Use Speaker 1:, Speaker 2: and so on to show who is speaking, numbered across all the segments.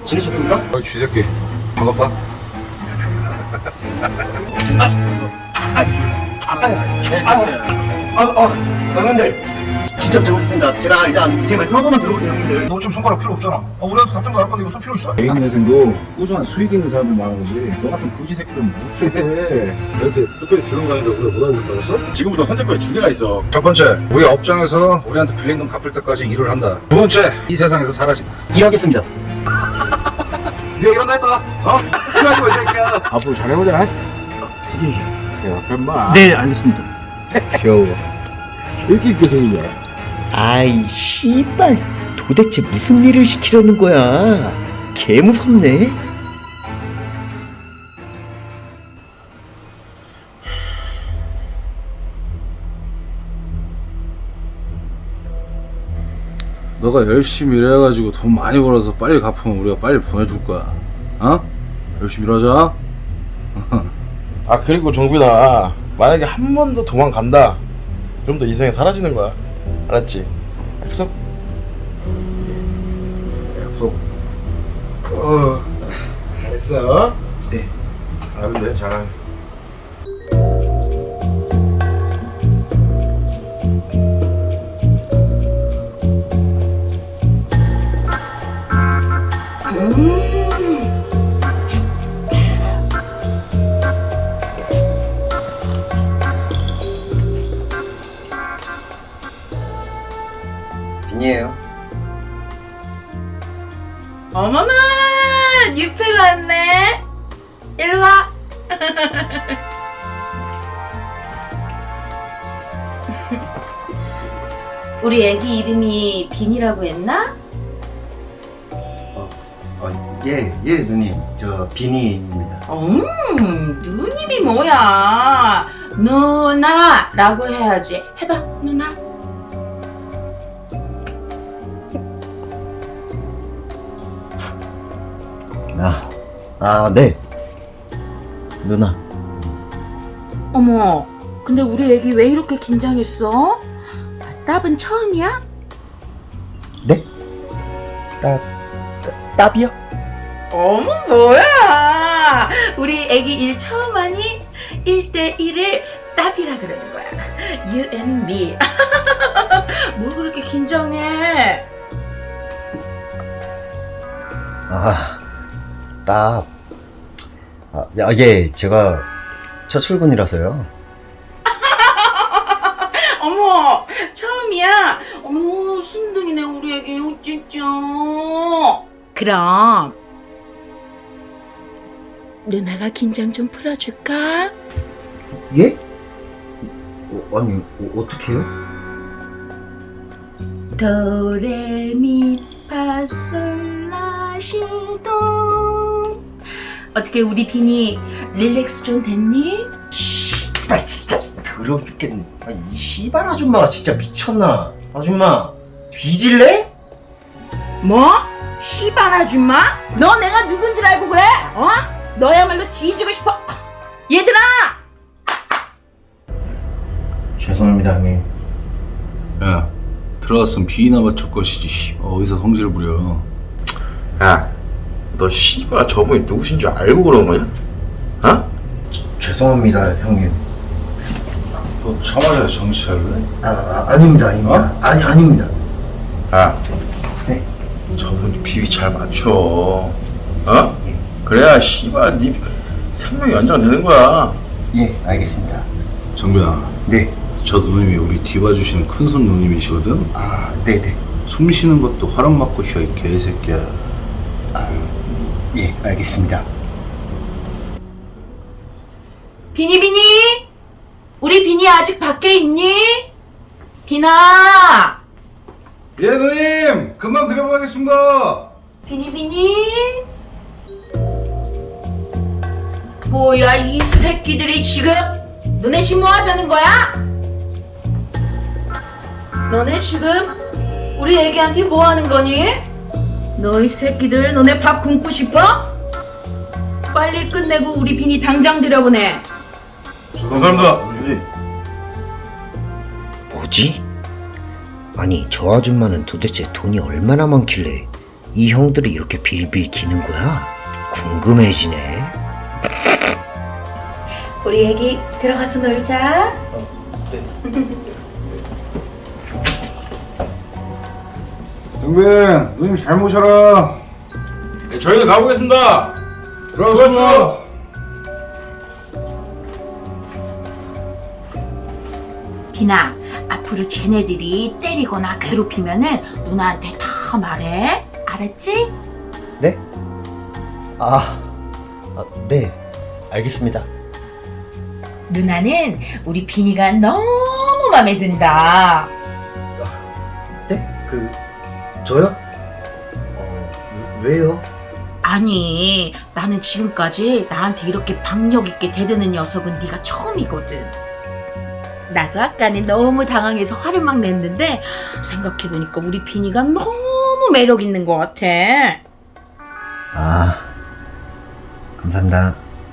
Speaker 1: 지내셨습니까?
Speaker 2: 쥐새끼 반갑다.
Speaker 1: 형님들 진짜 잘못했습니다. 제가 일단 제 말씀 한 번만 들어보세요, 형님들.
Speaker 2: 너 지금 손가락 필요 없잖아. 우리한테 답장도 할 건데 이거 손 필요 있어?
Speaker 3: 개인회생도 꾸준한 수익 있는 사람들 많은 거지. 너 같은 거지 새끼들은 못해.
Speaker 4: 너한테 특별히 들은 거 아닌데 우리가 못 알아볼 줄 알았어?
Speaker 2: 지금부터 선택권에 두 개가 있어. 첫 번째, 우리 업장에서 우리한테 빌린 돈 갚을 때까지 일을 한다. 두 번째, 이 세상에서 사라진다.
Speaker 1: 일하겠습니다.
Speaker 2: 네 얘기 한다 했다. 어? 필요하지 마, 이 새끼야.
Speaker 3: 앞으로 잘해보자.
Speaker 1: 예.
Speaker 3: 야, 엄마.
Speaker 1: 네, 알겠습니다.
Speaker 3: 귀여워. 왜 이렇게 있게 생기냐?
Speaker 5: 아이 씨발 도대체 무슨 일을 시키려는 거야? 개 무섭네.
Speaker 6: 너가 열심히 일해가지고 돈 많이 벌어서 빨리 갚으면 우리가 빨리 보내줄 거야. 어? 열심히 일하자.
Speaker 4: 아 그리고 정빈아, 만약에 한 번 더 도망간다 그럼 너 이 세상에 사라지는 거야. 알았지? 약속?
Speaker 2: 약속.
Speaker 4: 잘했어.
Speaker 1: 네.
Speaker 4: 잘하면 돼. 잘.
Speaker 1: 빈이에요.
Speaker 7: 어머나 뉴페가 왔네. 일로 와. 우리 애기 이름이 빈이라고 했나?
Speaker 1: 예, 누님. 저 빈이입니다.
Speaker 7: 누님이 뭐야? 누나라고 해야지. 해봐, 누나.
Speaker 1: 네. 누나.
Speaker 7: 어머, 근데 우리 애기 왜 이렇게 긴장했어? 답은 처음이야?
Speaker 1: 네? 따비요?
Speaker 7: 어머 뭐야, 우리 애기 일 처음 하니 1대1을 따비라 그러는 거야. You and me. 뭘 그렇게 긴장해?
Speaker 1: 예, 제가 첫 출근이라서요.
Speaker 7: 어머 처음이야. 어머 순둥이네 우리 애기 어쩌죠. 그럼 누나가 긴장 좀 풀어줄까?
Speaker 1: 예? 아니, 어떡해요?
Speaker 7: 도레미파솔라시도. 어떻게 우리 빈이 릴렉스 좀 됐니?
Speaker 1: 씨발, 진짜 더러워 죽겠네. 이 씨발 아줌마가 진짜 미쳤나? 아줌마, 뒤질래?
Speaker 7: 뭐? 시발 아줌마? 너 내가 누군지 알고 그래? 어? 너야말로 뒤지고 싶어. 얘들아!
Speaker 1: 죄송합니다, 형님.
Speaker 6: 야, 들어갔으면 비나 맞출 것이지. 씨, 어디서 성질 부려?
Speaker 4: 야, 너 씨발 저분이 누구신 줄 알고 그런 거냐? 어?
Speaker 1: 죄송합니다, 형님.
Speaker 6: 너 청와대 정치할래?
Speaker 1: 아닙니다. 아닙니다.
Speaker 4: 야,
Speaker 1: 네.
Speaker 4: 저분 비위 잘 맞춰. 어? 그래야 씨발 네 생명이 연장되는 거야.
Speaker 1: 예, 알겠습니다.
Speaker 6: 정빈아,
Speaker 1: 네.
Speaker 6: 저 누님이 우리 뒤봐주시는 큰손 누님이시거든?
Speaker 1: 네네.
Speaker 6: 숨 쉬는 것도 허락 받고 쉬어, 이 개새끼야.
Speaker 1: 예, 알겠습니다.
Speaker 7: 비니 우리 비니 아직 밖에 있니? 비나.
Speaker 6: 예, 누님! 금방 들여보내겠습니다!
Speaker 7: 비니 뭐야 이 새끼들이 지금? 너네 지금 뭐 하자는 거야? 너네 지금 우리 애기한테 뭐 하는 거니? 너희 새끼들 너네 밥 굶고 싶어? 빨리 끝내고 우리 비니 당장 들여보내.
Speaker 2: 감사합니다.
Speaker 5: 뭐지? 아니 저 아줌마는 도대체 돈이 얼마나 많길래 이 형들이 이렇게 빌빌 기는 거야? 궁금해지네.
Speaker 7: 우리 애기 들어가서 놀자.
Speaker 3: 정빈, 누님 잘 모셔라.
Speaker 4: 네, 저희는 가보겠습니다.
Speaker 3: 들어가십시오.
Speaker 7: 비나, 앞으로 쟤네들이 때리거나 괴롭히면은 누나한테 다 말해. 알았지?
Speaker 1: 네? 네. 알겠습니다.
Speaker 7: 누나는 우리 비니가 너무 마음에 든다.
Speaker 1: 네? 저요? 왜요?
Speaker 7: 아니, 나는 지금까지 나한테 이렇게 박력 있게 대드는 녀석은 네가 처음이거든. 나도 아까는 너무 당황해서 화를 막 냈는데 생각해보니까 우리 비니가 너무 매력 있는 것 같아.
Speaker 1: 감사합니다.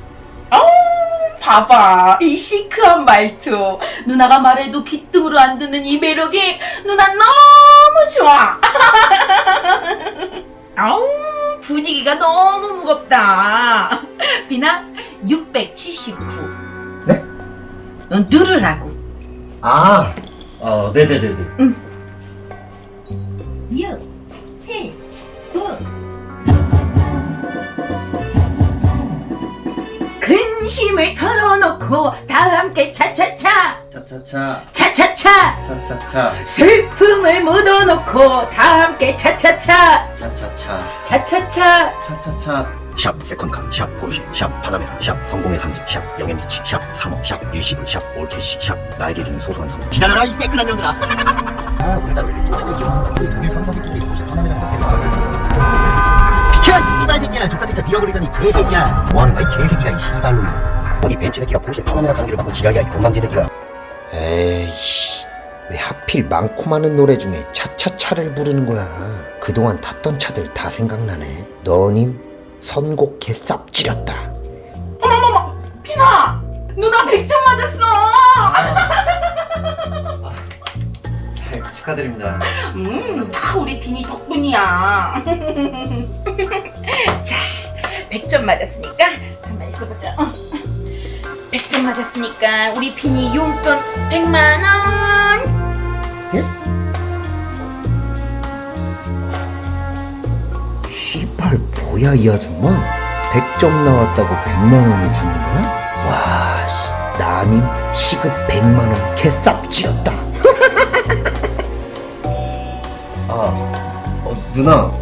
Speaker 7: 봐봐, 이 시크한 말투. 누나가 말해도 귀등으로 안 듣는 이 매력이 누나 너무 좋아. 아우, 분위기가 너무 무겁다. 비나, 679.
Speaker 1: 네?
Speaker 7: 넌 누르라고.
Speaker 1: 네네네네.
Speaker 7: 6, 7, 9. 근심을 털어놓고 다 함께 차차차
Speaker 1: 차차차.
Speaker 7: 차차차
Speaker 1: 차차차.
Speaker 7: 슬픔을 묻어놓고 다 함께 차차차
Speaker 1: 차차차.
Speaker 7: 차차차.
Speaker 1: 차차차.
Speaker 5: 샵 세컨카, 샵 포르쉐, 샵 파나메라, 샵 성공의 상징, 샵 영앤리치, 샵 3호, 샵 일시불, 샵 올캐시, 샵 나에게 주는 소소한 선물. 기다려라 이 새끈한 년들아. 오늘따라 왜 또 자꾸 이런 동네 상사들끼리 포르쉐 파나메라 비켜 씨발 새끼야. 족같은 차 밀어버리더니 개새끼야. 뭐하는 거야 이 개새끼가 이 씨발로. 어디 벤츠 새끼가 포르쉐 파나메라 관계를 받고 지랄이야 이 건방지 새끼가. 에이씨, 왜 하필 많고 많은 노래 중에 차차차를 부르는 거야. 그동안 탔던 차들 다 생각나네. 너님 선곡 개쌉지렸다.
Speaker 7: 어머머머, 비나, 누나 100점 맞았어.
Speaker 1: 축하드립니다.
Speaker 7: 다 우리 비니 덕분이야. 자, 100점 맞았으니까 가만 있어보자. 100점 맞았으니까 우리 비니 용돈 100만 원.
Speaker 1: 예?
Speaker 5: 씨발 뭐야 이 아줌마. 100점 나왔다고 100만원을 주는 거야? 와 씨, 나님 시급 100만원 개쌉지렸다.
Speaker 1: 누나.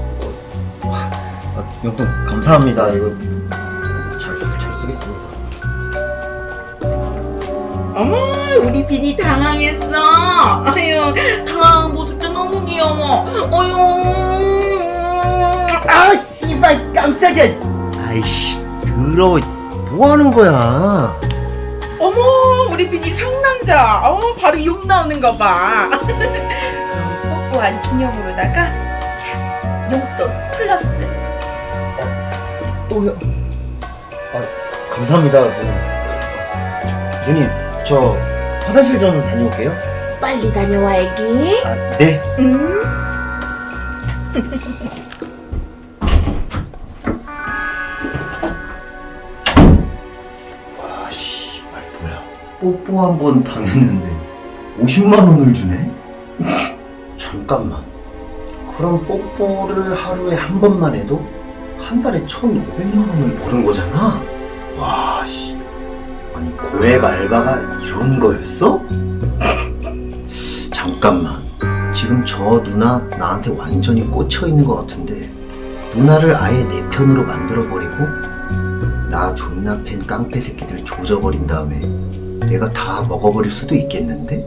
Speaker 1: 용돈 감사합니다. 이거 잘 쓰겠습니다.
Speaker 7: 어머, 우리 비니 당황했어. 아유, 당황한 모습도 너무 귀여워. 어휴.
Speaker 1: 씨발 깜짝이야. 아이씨 더러워. 뭐 하는 거야?
Speaker 7: 어머, 우리 비니 상남자. 바로 욕 나오는 거 봐. 그럼 뽀뽀한 기념으로다가 자, 용돈 플러스.
Speaker 1: 또요? 감사합니다. 누님, 저 화장실 좀 다녀올게요.
Speaker 7: 빨리 다녀와, 애기.
Speaker 1: 네.
Speaker 7: 응?
Speaker 1: 와, 씨발 뭐야? 뽀뽀 한 번 당했는데 50만 원을 주네? 잠깐만. 그럼 뽀뽀를 하루에 한 번만 해도 한 달에 1,500만 원을 버는 거잖아? 와, 씨. 아니, 고액 알바가 이런 거였어? 잠깐만. 지금 저 누나 나한테 완전히 꽂혀 있는 것 같은데, 누나를 아예 내 편으로 만들어버리고, 나 존나 팬 깡패 새끼들 조져버린 다음에 내가 다 먹어버릴 수도 있겠는데?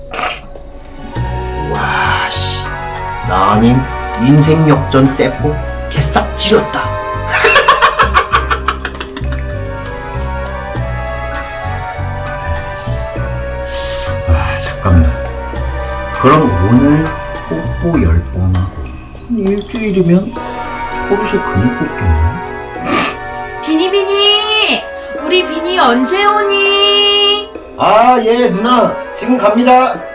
Speaker 1: 와, 씨. 나님 인생 역전 세포 개싹 찌렸다. 잠깐만. 그럼 오늘 뽀뽀 10번 하고 일주일이면 포르쉐 근육 뽑겠네.
Speaker 7: 비니, 우리 비니 언제 오니?
Speaker 1: 예, 누나 지금 갑니다.